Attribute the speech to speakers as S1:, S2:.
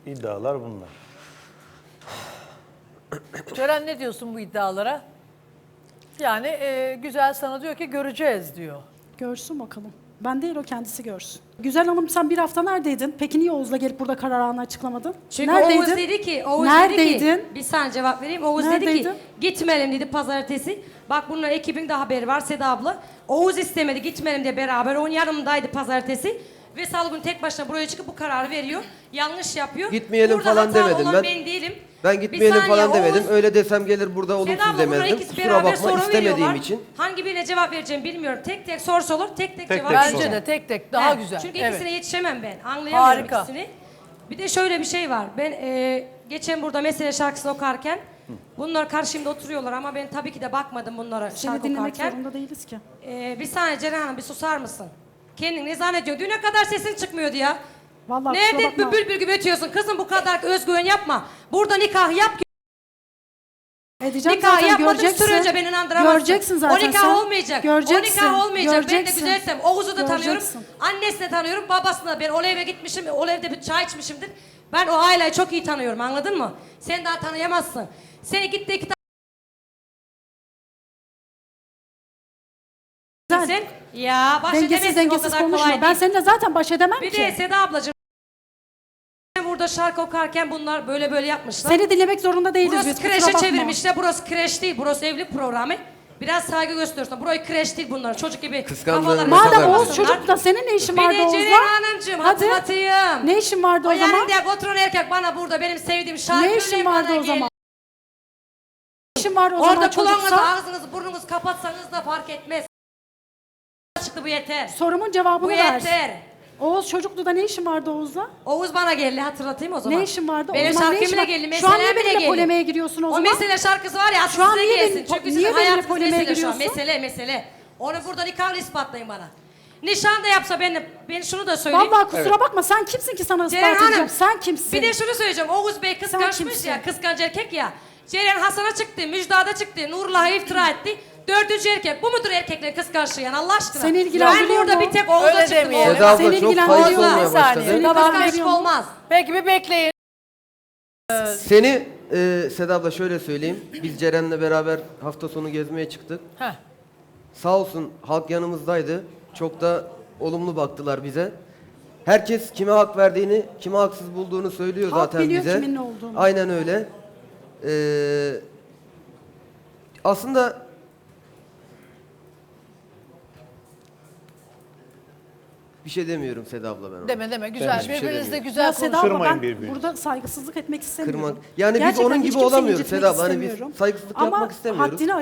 S1: İddialar bunlar.
S2: Ceren ne diyorsun bu iddialara? Yani Güzel sana diyor ki göreceğiz diyor.
S3: Görsün bakalım. Ben değil, o kendisi görsün. Güzel Hanım, sen bir hafta neredeydin? Peki niye Oğuz'la gelip burada kararını açıklamadın?
S4: Çünkü
S3: neredeydin?
S4: Oğuz dedi ki,
S3: Neredeydin?
S4: bir saniye cevap vereyim. Oğuz dedi
S3: Neredeydin?
S4: ki gitmeyelim dedi pazartesi. Bak bunun ekibin de haberi var Seda abla. Oğuz istemedi gitmeyelim diye beraber. Onun yanımdaydı pazartesi. Ve salı günü tek başına buraya çıkıp bu kararı veriyor. Yanlış yapıyor.
S5: Gitmeyelim
S4: Burada
S5: falan
S4: hatalı
S5: demedim
S4: olan
S5: ben.
S4: Ben değilim.
S5: Ben gitmeyelim
S4: Bir saniye,
S5: falan demedim.
S4: Oğuz-
S5: Öyle desem gelir burada
S4: Seda
S5: olumsuz
S4: abla bunlar
S5: demezdim.
S4: ikisi
S5: Kusura
S4: beraber
S5: bakma
S4: soru
S5: istemediğim
S4: veriyorlar.
S5: için.
S4: Hangi birine cevap vereceğim bilmiyorum. Tek tek soru olur, tek
S1: Tek
S4: cevap
S1: tek
S4: vereceğim.
S2: Bence de tek tek daha
S4: He,
S2: güzel.
S4: Çünkü
S2: Evet.
S4: ikisine yetişemem ben. Anlayamıyorum
S2: Harika.
S4: ikisini. Bir de şöyle bir şey var. Ben geçen burada Mesele şarkısını okurken bunlar karşımda oturuyorlar ama ben tabii ki de bakmadım bunlara
S3: Seni
S4: şarkı
S3: dinlemek
S4: okurken.
S3: zorunda değiliz ki.
S4: Bir saniye Ceren Hanım bir susar mısın? Kendin ne zannediyor? Düne kadar sesin çıkmıyordu ya.
S3: Vallahi kusura
S4: Nerede
S3: bakma.
S4: bülbül gibi ötüyorsun? Kızım bu kadar özgüven yapma. Burada nikah yap.
S3: Edeceğim
S4: Nikah
S3: zaten,
S4: yapmadığın
S3: göreceksin.
S4: sürece beni inandıramazsın.
S3: Göreceksin zaten
S4: O nikah
S3: sen.
S4: olmayacak.
S3: Göreceksin.
S4: O nikah olmayacak. Ben de
S3: Göreceksin.
S4: güzelsem Oğuz'u da tanıyorum.
S3: Göreceksin.
S4: Annesini tanıyorum. Babasını da. Ben o eve gitmişim. O evde bir çay içmişimdir. Ben o aileyi çok iyi tanıyorum. Anladın mı? Sen daha tanıyamazsın. Seni gitti iki
S3: Sen
S4: sen. Ya baş
S3: dengesiz
S4: edemezsin o
S3: dengesiz
S4: kadar
S3: konuşma.
S4: kolay
S3: Ben
S4: değil.
S3: seninle zaten baş edemem
S4: Bir
S3: ki.
S4: de Seda ablacığım. Ben burada şarkı okurken bunlar böyle böyle yapmışlar.
S3: Seni dinlemek zorunda değiliz
S4: Burası
S3: biz. kusura
S4: kreşe
S3: bakma.
S4: çevirmişler. Burası kreş değil. Burası evlilik programı. Biraz saygı gösteriyorsun. Burayı kreş değil bunlar. Çocuk gibi
S5: Kıskandığın
S4: kafalarını
S5: mesele
S3: Madem
S5: var.
S3: Oğuz
S4: sallamasınlar.
S3: çocuk da senin ne işin
S4: Bir
S3: vardı
S4: de
S3: Oğuz'la?
S4: Ceren Hanımcığım
S3: Hadi.
S4: hatırlatayım.
S3: Ne işin vardı o zaman?
S4: yanında oturan erkek bana burada benim sevdiğim şarkı
S3: Ne işin vardı o zaman? Ne işin var o
S4: Orada
S3: zaman
S4: kulağınızı,
S3: çocuksa?
S4: ağzınızı, burnunuzu kapatsanız da fark etmez. Çıktı bu yeter.
S3: Sorumun cevabını
S4: Bu
S3: ver.
S4: yeter.
S3: Oğuz çocuklu da ne işin vardı Oğuz'la?
S4: Oğuz bana geldi hatırlatayım o zaman.
S3: Ne işin vardı? O
S4: Benim
S3: zaman ne işin
S4: şarkımla
S3: var?
S4: geldi.
S3: Şu an niye
S4: Meselem bile
S3: benimle
S4: geldi.
S3: polemiğe giriyorsun o
S4: O
S3: zaman?
S4: mesele şarkısı var ya
S3: Şu an
S4: size
S3: niye
S4: gelsin.
S3: benim-
S4: Çünkü
S3: niye
S4: sizin
S3: benimle
S4: hayatınız
S3: polemiğe
S4: mesele şu an.
S3: giriyorsun?
S4: Mesele. Onu burada nikahla ispatlayın bana. Nişan da yapsa ben şunu da söyleyeyim.
S3: Vallahi kusura bakma, sen kimsin ki sana
S4: Ceren
S3: ispat
S4: Hanım,
S3: edeceğim? Sen kimsin?
S4: Bir de şunu söyleyeceğim. Oğuz Bey kıskançmış
S3: kimsin?
S4: ya. Kıskanç erkek ya. Ceren Hasan'a çıktı. Müjdat'a çıktı. Nurullah'a iftira etti. Dördüncü erkek. Bu mudur erkeklerin kıskançlığı yani Allah aşkına?
S3: Seni ilgilendiriyor
S4: Ben burada
S3: mu?
S4: bir tek Oğuz'a
S2: Öyle
S4: çıktım.
S2: demeyelim.
S5: Seda abla
S3: Seni
S5: çok
S3: ilgilendiriyor
S5: kayıp
S3: mu?
S5: olmaya
S2: Bir saniye.
S5: başladı.
S2: Tamam,
S4: Kıskançlık olmaz.
S2: Peki bir bekleyin.
S5: Seni Seda abla şöyle söyleyeyim. Biz Ceren'le beraber hafta sonu gezmeye çıktık.
S2: Heh.
S5: Sağ olsun halk yanımızdaydı. Çok da olumlu baktılar bize. Herkes kime hak verdiğini, kime haksız bulduğunu söylüyor
S3: Halk
S5: zaten
S3: biliyor
S5: bize.
S3: kimin ne olduğunu.
S5: Aynen öyle. Aslında bir şey demiyorum Seda abla ben ona.
S2: Deme güzel.
S5: hiçbir şey
S2: Birbirinizle
S5: demiyorum.
S2: güzel
S3: Ya Seda
S2: konuşun.
S3: abla,
S1: Kırmayın
S3: ben
S1: birbirinizi.
S3: burada saygısızlık etmek istemiyorum.
S5: Kırmak. Yani biz
S3: Gerçekten
S5: onun
S3: hiç
S5: gibi
S3: kimseyi
S5: olamıyoruz
S3: incitmek
S5: Seda abla. Hani biz
S3: istemiyorum.
S5: saygısızlık
S3: Ama
S5: yapmak istemiyoruz.
S3: haddini